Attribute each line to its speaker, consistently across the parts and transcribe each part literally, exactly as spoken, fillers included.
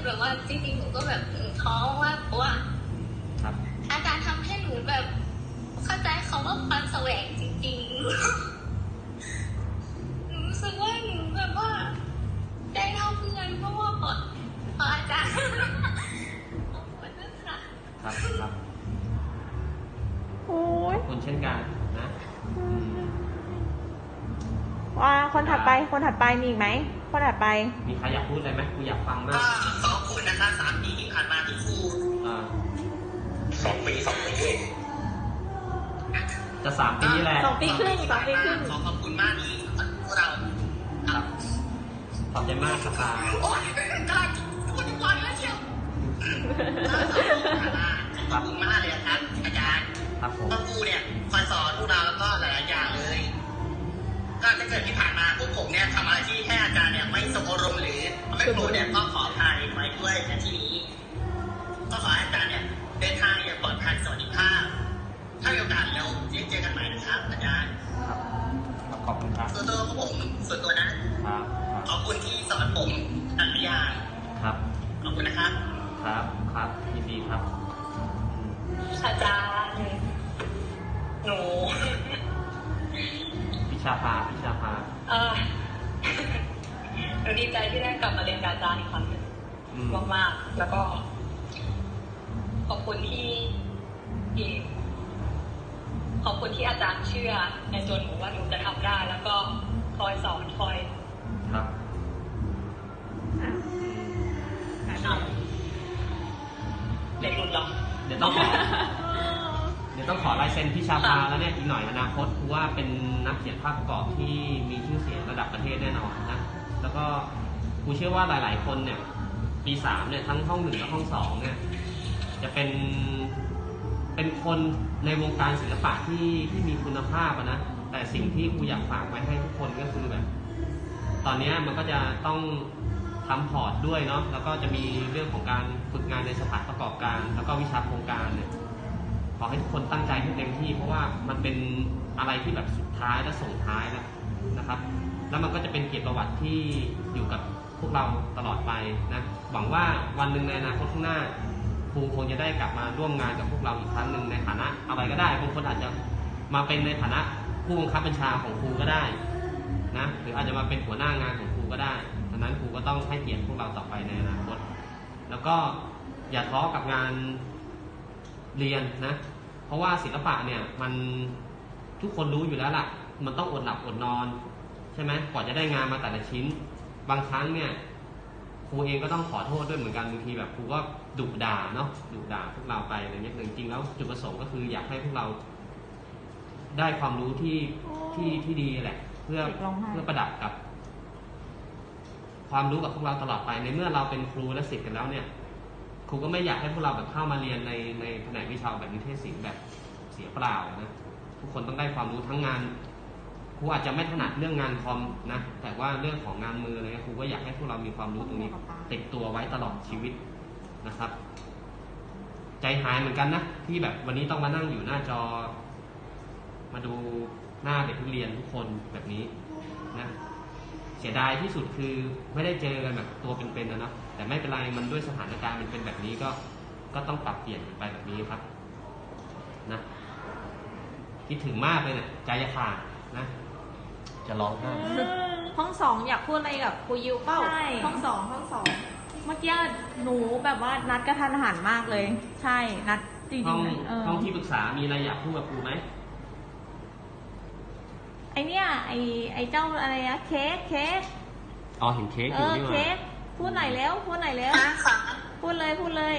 Speaker 1: แบบว่าจริงๆหนูก็แบบท้อว่าเพราะว่าอาจารย์ทำให้หนูแบบเข้าใจเขาว่าความแสวงจริงๆหนูรู้สึกว่าหนูแบบว่าได้เท่าเพื่อนเพราะว่าพอพออาจารย์ขอบคุณนะคะ
Speaker 2: ครับครับ
Speaker 3: โอ้ย
Speaker 2: คนเช่นกันนะ
Speaker 3: ว่าคนถัดไปคนถัดไปมีอีกไหมคนถัดไป
Speaker 2: มีใครอยากพูดอะไรไหมกูอยากฟังมาก
Speaker 4: ขอบคุณนะคะสามปีที่ผ่านมาที่ครูสองปีสองปี
Speaker 2: จะสามปีแหละ
Speaker 3: สองปีครึ่งสองปีครึ่ง
Speaker 4: ขอขอบคุณมากที่พวกเรา
Speaker 2: ครับขอบใจมากครับ
Speaker 4: โอ้ยกำลังพูดทุกวันแล้วเชียวขอบคุณมากเลยครับอาจารย์
Speaker 2: ครับผม
Speaker 4: ครูเนี่ยคอยสอนพวกเราแล้วก็หลายๆอย่างเลยก็ถ้าเกิดที่ผ่านมาพวกผมเนี่ยทำอะไรที่ให้อาจารย์เนี่ยไม่สมอารมณ์หรือไม่โกรธเนี่ยก็ขออภัยไว้ด้วยในที่นี้ก็ขอให้อาจารย์เนี่ยเดินทางอย่างปลอดภัยสวัสดิภาพถ้ามีโอกาสเราเจอกันใหม่นะครับอาจารย์
Speaker 2: ครับขอบคุณครับ
Speaker 4: ส่วนตัวของผมส่วนตัวนะครับขอบคุณที่สอนผมหลายอย่าง
Speaker 2: ครับ
Speaker 4: ขอบคุณนะครับ
Speaker 2: ครับครับยินดีครับ
Speaker 1: อาจารย์หนู
Speaker 2: พิชาภาพิชาภา
Speaker 1: เออหนูดีใจที่ได้กลับมาเรียนกับอาจารย์อีกครั้งหนึ่งมากๆแล้วก็ขอบคุณที่ที่ขอบคุณที่อาจารย์เชื่อในตัวหนูว่าหนูจะทำได้แล้วก็คอยสอนคอย
Speaker 2: ครับ
Speaker 1: เด็กรุ่นหรอ
Speaker 2: เดี๋ยวต้องขอเดี๋ยวต้องขอลายเซ็นพิชาภาแล้วเนี่ยอีกหน่อยอนาคตคือว่าเป็นนักเขียนภาพประกอบที่มีชื่อเสียงระดับประเทศแน่นอนนะแล้วก็กูเชื่อว่าหลายๆคนเนี่ยปีสามเนี่ยทั้งห้องหนึ่งและห้องสองเนี่ยจะเป็นเป็นคนในวงการศิลปะที่ที่มีคุณภาพนะแต่สิ่งที่กูอยากฝากไว้ให้ทุกคนก็คือแบบตอนนี้มันก็จะต้องทำพอร์ตด้วยเนาะแล้วก็จะมีเรื่องของการฝึกงานในสถานประกอบการแล้วก็วิชาโครงการเนี่ยขอให้ทุกคนตั้งใจให้เต็มที่เพราะว่ามันเป็นอะไรที่แบบสุดท้ายและส่งท้ายแล้วนะครับแล้วมันก็จะเป็นเกียรติประวัติที่อยู่กับพวกเราตลอดไปนะหวังว่าวันหนึ่งในอนาคตข้างหน้าครูคงจะได้กลับมาร่วมงานกับพวกเราอีกครั้งหนึ่งในฐานะอะไรก็ได้บางคนอาจจะมาเป็นในฐานะผู้บังคับบัญชาของครูก็ได้นะหรืออาจจะมาเป็นหัวหน้างานของครูก็ได้ดังนั้นครูก็ต้องให้เกียรติพวกเราต่อไปในอนาคตแล้วก็อย่าท้อกับงานเรียนนะเพราะว่าศิลปะเนี่ยมันทุกคนรู้อยู่แล้วล่ะมันต้องอดหลับอดนอนใช่ไหมกว่าจะได้งานมาแต่ละชิ้นบางครั้งเนี่ยครูเองก็ต้องขอโทษด้วยเหมือนกันบางทีแบบครูก็ดุด่าเนาะดุด่าพวกเราไปอะไรเงี้ยจริงๆแล้วจุดประสงค์ก็คืออยากให้พวกเราได้ความรู้ที่ที่ที่ดีแหละเพื่อเพื่อประดับกับความรู้กับพวกเราตลอดไปในเมื่อเราเป็นครูและศิษย์กันแล้วเนี่ยครูก็ไม่อยากให้พวกเราแบบเข้ามาเรียนในในแผนกวิชาแบบนิเทศศิลป์แบบเสียเปล่านะทุกคนต้องได้ความรู้ทั้งงานครูอาจจะไม่ถนัดเรื่องงานคอมนะแต่ว่าเรื่องของงานมืออะไรครูก็อยากให้พวกเรามีความรู้ตรงนี้ติดตัวไว้ตลอดชีวิตนะครับใจหายเหมือนกันนะที่แบบวันนี้ต้องมานั่งอยู่หน้าจอมาดูหน้าเด็กนักเรียนทุกคนแบบนี้นะเสียดายที่สุดคือไม่ได้เจอกันแบบตัวเป็นๆนะเนาะแต่ไม่เป็นไรมันด้วยสถานการณ์มันเป็นแบบนี้ก็ก็ต้องปรับเปลี่ยนไปแบบนี้ครับนะคิดถึงมากเลยเนี่ยใจจะขาดนะจะร้องไห้
Speaker 3: ห้องสองอยากพูดอะไรกับครูยิวเป้าห้องสองห้องสองเมื่อกี้หนูแบบว่านัดกระทันหันมากเลยใช่นัดจริงๆห้อง
Speaker 2: ห้องที่ปรึกษามีอะไรอยากพูดกับครูไหม
Speaker 3: ไอเนี้ยไอไอเจ้าอะไรนะเค้กเค้ก
Speaker 2: อ๋อเห็นเค้กอยู่นี่ว่า
Speaker 3: เค้กพูดหน่อยแล้วพูดหน่อยแล้วพูดเลยพูดเลย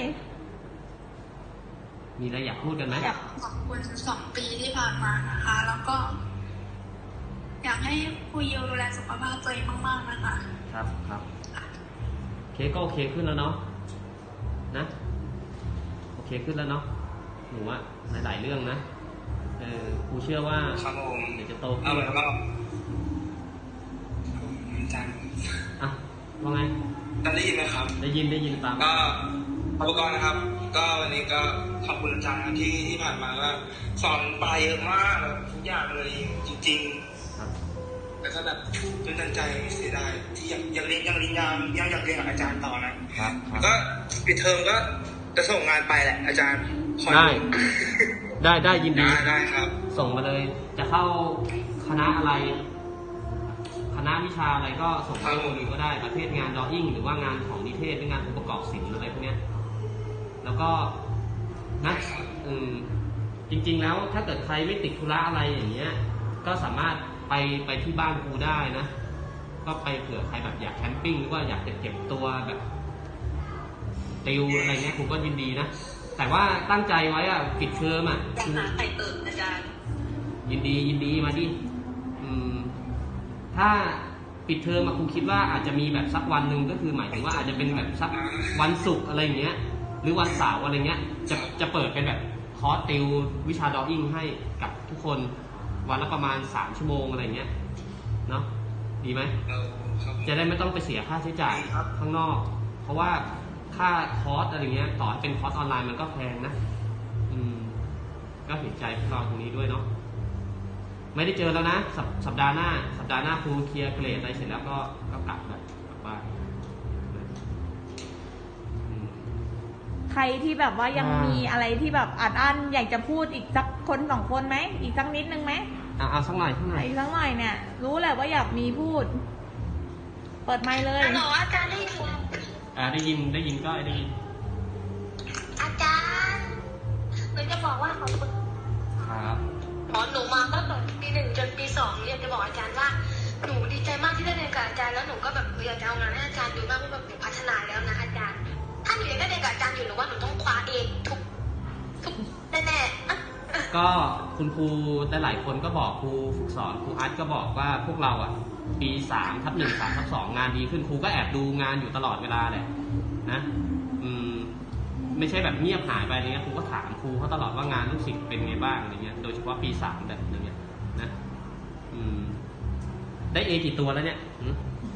Speaker 2: มีอะไรอยากพูดกันไหม
Speaker 1: อยากขอบคุณสองปีที่ผ่านมานะคะแล้วก็อยากให้ครูยิวดูแลสุขภาพตัวเองมากๆนะคะ
Speaker 2: ครับครับเค้กก็โอเคขึ้นแล้วเนาะนะโอเคขึ้นแล้วเนาะหนูว่าหลายๆเรื่องนะเออครูเชื่อว่าเดี๋ยวจะโตขึ้นแล้วก็
Speaker 4: อาจารย์
Speaker 2: อ่ะว่าไง
Speaker 4: ได้ยินไหมครับ
Speaker 2: ได้ยินได้ยินตาม
Speaker 4: ก็ขอบคุณนะครับก็วันนี้ก็ขอบคุณอาจารย์ที่ที่ผ่านมาก็สอนไปเยอะมากทุกอย่างเลยจริงๆแล้วก็แบบตื่นตันใจเสียดายที่ยังยังเรียนยังเรียนยามยังอยากเรียนกับอาจารย์ต่อนะครับ ก็ปิดเทอมก็จะส่งงานไปแหละอาจารย์คอย
Speaker 2: ได้ ได้ได้ยินดี
Speaker 4: ได้ได้ครับ
Speaker 2: ส่งมาเลย จะเข้าคณะอะไร คณะวิชาอะไรก็ส่งเข้าดูก็ได้ประเภทงานดออิ่งหรือว่างานของนิเทศหรืองานองค์ประกอบศิลป์อะไรพวกเนี้ยแล้วก็นะอืมจริงๆแล้วถ้าเกิดใครไม่ติดธุระอะไรอย่างเงี้ย ก็สามารถไปไปที่บ้านครูได้นะ ก็ไปเผื่อใครแบบอยากแคมปิ้งหรือว่าอยากจะเก็บตัวแบบติวอะไรเงี้ยครูก็ยินดีนะ แต่ว่าตั้งใจไว้อะปิดเทอมอะ
Speaker 1: อยากหาไข่เติมอาจารย์
Speaker 2: ยินดียินดีมาดิอืมถ้าปิดเทอมอะครูคิดว่าอาจจะมีแบบสักวันหนึ่งก็คือหมายถึงว่าอาจจะเป็นแบบสักวันศุกร์อะไรเงี้ย หรือวันเสาร์อะไรเงี้ย จะจะเปิดเป็นแบบคอร์สติววิชาดออิ่งให้กับทุกคนวันละประมาณสามชั่วโมงอะไรเงี้ยเนาะดีไหม
Speaker 4: เอาครับ
Speaker 2: จะได้ไม่ต้องไปเสียค่าใช้จ่าย
Speaker 4: ครับ
Speaker 2: ข้างนอก เพราะว่าค่าคอร์สอะไรเงี้ยต่อให้เป็นคอร์สออนไลน์มันก็แพงนะ อืม ก็เห็นใจพวกเราตรงนี้ด้วยเนาะ ไม่ได้เจอแล้วนะสปสัปดาห์หน้า สัปดาห์หน้าครูเคลียร์เกรดอะไรเสร็จแล้วก็ก็กลับแบบกลับบ้านอืม
Speaker 3: ใครที่แบบว่ายัง
Speaker 2: อ่ามี
Speaker 3: มีอะไรที่แบบอัดอั้นอยากจะพูดอีกสักคนสองคนไหมอีกสักนิดนึงไหม
Speaker 2: อ่ะเอาสักหน่อยสักหน่อย
Speaker 3: อีกสักหน่อยเนี่ย รู้แหละว่าอยากมีพูด เปิดไมค์เลย
Speaker 1: ฮัลโหลอาจารย์ได้ยิน
Speaker 2: อ่าได้ยินได้ยินก็ได้ยิน
Speaker 1: อาจารย์หนูจะบอกว่าขอบคุณ
Speaker 2: ครับ
Speaker 1: หมอหนูมาตั้งแต่ปีหนึ่งจนปีสองหนูอยากจะบอกอาจารย์ว่าหนูดีใจมากที่ได้เรียนกับอาจารย์แล้วหนูก็แบบอยากจะเอางานให้อาจารย์ดูมากว่าแบบหนูพัฒนาแล้วนะอาจารย์ ถ้าหนูยังได้เรียนกับอาจารย์อยู่หนูว่าหนูต้องคว้าเองทุกทุกแน่ๆอ่ะ
Speaker 2: ก็คุณครูแต่หลายคนก็บอกครูฝึกสอนครูอาร์ตก็บอกว่าพวกเราอ่ะ ปีสามทับหนึ่งสามทับสองงานดีขึ้นครูก็แอบดูงานอยู่ตลอดเวลาแหละนะอืมไม่ใช่แบบเงียบหายไปอะไรเงี้ยครูก็ถามครูเขาตลอดว่างานลูกศิษย์เป็นไงบ้างอะไรเงี้ยโดยเฉพาะปีสามแบบอย่างเงี้ยนะอืมได้เอกี่ตัวแล้วเนี่ยหืม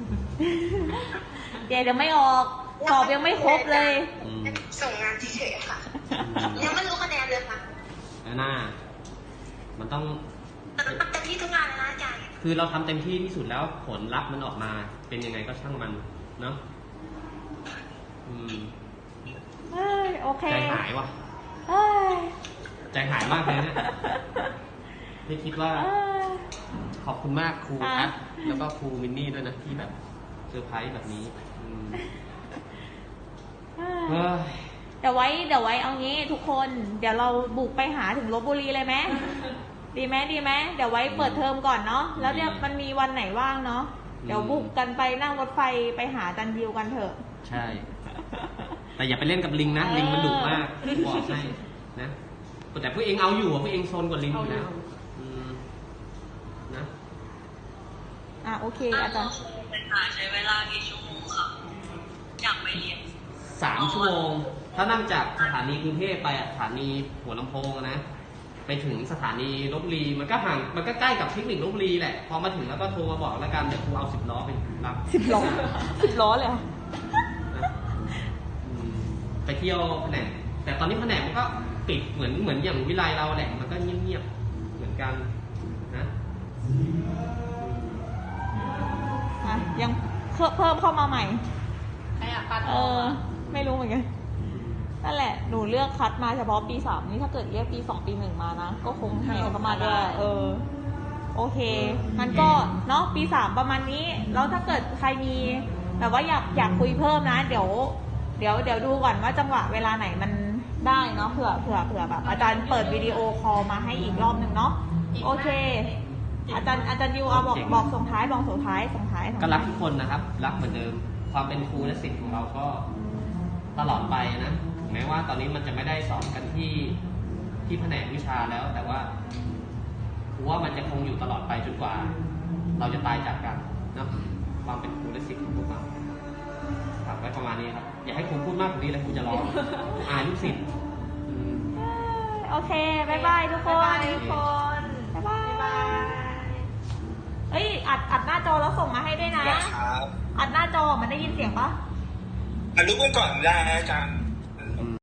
Speaker 3: เดี๋ยวเดี๋ยวไม่ออกสอบยังไม่ครบเลย
Speaker 2: อืม
Speaker 1: ส่งงานเฉยๆค่ะ ยังไม่รู้คะแนนเลยค่ะ
Speaker 2: แล้วหน้ามันต้อง
Speaker 1: แต่มันเต็มที่ทุกงานเลยนะอาจารย์
Speaker 2: คือเราทำเต็มที่ที่สุดแล้วผลลัพธ์มันออกมา เป็นยังไงก็ช่างมันเนาะอืม
Speaker 3: เอ้ยโอเค
Speaker 2: ใจหายว่ะ
Speaker 3: เอ้ย
Speaker 2: ใจหายมากเลยเนี่ยไม่คิดว่า
Speaker 3: เอ้ย
Speaker 2: ขอบคุณมากครู
Speaker 3: อ่ะ
Speaker 2: อัดแล้วก็ครูมินนี่ด้วยนะที่แบบเซอร์ไพรส์แบบนี้อืม
Speaker 3: เอ้ย
Speaker 2: เฮ้ย
Speaker 3: เดี๋ยวไว้เดี๋ยวไว้เอางี้ทุกคน เดี๋ยวเราบุกไปหาถึงลพบุรีเลยไหมดีไหมดีไหมเดี๋ยวไว้เปิดเทอมก่อนเนาะแล้วเนี่ยมันมีวันไหนว่างเนาะเดี๋ยวบุกกันไปนั่งรถไฟไปหาจันยิวกันเถอะ
Speaker 2: ใช่ แต่อย่าไปเล่นกับลิงนะ ลิงมันดุมากบอกให้นะแต่พวกเองเอาอยู่อะพวกเองโซนกว่าลิงอยู่แล้วอืมนะ
Speaker 3: อ่ะโอเคอาจารย์
Speaker 1: เป็นหาใช้เวลากี่ชั่วโมงครับอยากไปเรียน
Speaker 2: สามชั่วโมง ถ้านั่งจากสถานีกรุงเทพไปอะสถานีหัวลำโพงอะนะ ไปถึงสถานีลพบุรี มันก็ห่าง มันก็ใกล้กับเทคนิคลพบุรีแหละ พอมาถึงแล้วก็โทรมาบอกแล้วกัน เดี๋ยวครูเอาสิบล้อไปรับ
Speaker 3: สิบล้อสิบล้อเลยเหรอ
Speaker 2: นะอืมไปเที่ยวแผนก แต่ตอนนี้แผนกมันก็ปิดเหมือนเหมือนอย่างวิไลเราแหละ มันก็เงียบๆ เหมือนกันนะ
Speaker 3: อ่ะยังเพิ่มเพิ่มเข้ามาใหม่
Speaker 1: ใครอยากปัด
Speaker 3: เออ ไม่รู้เหมือนกัน นั่นแหละ หนูเลือกคัดมาเฉพาะปีสามนี่ถ้าเกิดเรียกปีสองปีหนึ่งมานะ ก็คงแห่เข้ามาด้วย เออ โอเคงั้นก็เนาะปีสามประมาณนี้ แล้วถ้าเกิดใครมีแบบว่าอยากอยากคุยเพิ่มนะ เดี๋ยว เดี๋ยวเดี๋ยวดูก่อนว่าจังหวะเวลาไหนมันได้เนาะ เผื่อเผื่อเผื่อแบบอาจารย์เปิดวิดีโอคอลมาให้อีกรอบหนึ่งเนาะ โอเค อาจารย์อาจารย์ยูเอาบอกบอกส่งท้ายบอกส่งท้ายส่งท้ายส่ง
Speaker 2: ก็
Speaker 3: ท้าย
Speaker 2: รักทุกคนนะครับ รักเหมือนเดิม ความเป็นครูและศิษย์ของเราก็ตลอดไปนะถึงแม้ว่าตอนนี้มันจะไม่ได้สอนกันที่ที่แผนกวิชาแล้ว แต่ว่าครูว่ามันจะคงอยู่ตลอดไปจนกว่า เราจะตายจากกันนะความเป็นครูและศิษย์ของพวกเราฝากไว้ประมาณนี้ครับ อย่าให้ครูพูดมากกว่านี้เลยครูจะร้องอายลูกศิษย์อืม
Speaker 3: โอเคบายบายทุกคน
Speaker 1: บ๊ายบายทุกคน
Speaker 3: บ๊ายบาย
Speaker 1: บ๊ายบาย
Speaker 3: เอ้ยอัดอัดหน้าจอแล้วส่งมาให้ด้วยนะ
Speaker 4: ครับ
Speaker 3: อัดหน้าจอมันได้ยินเสียงปะ
Speaker 4: อนุบาลก่อนได้นะอาจารย์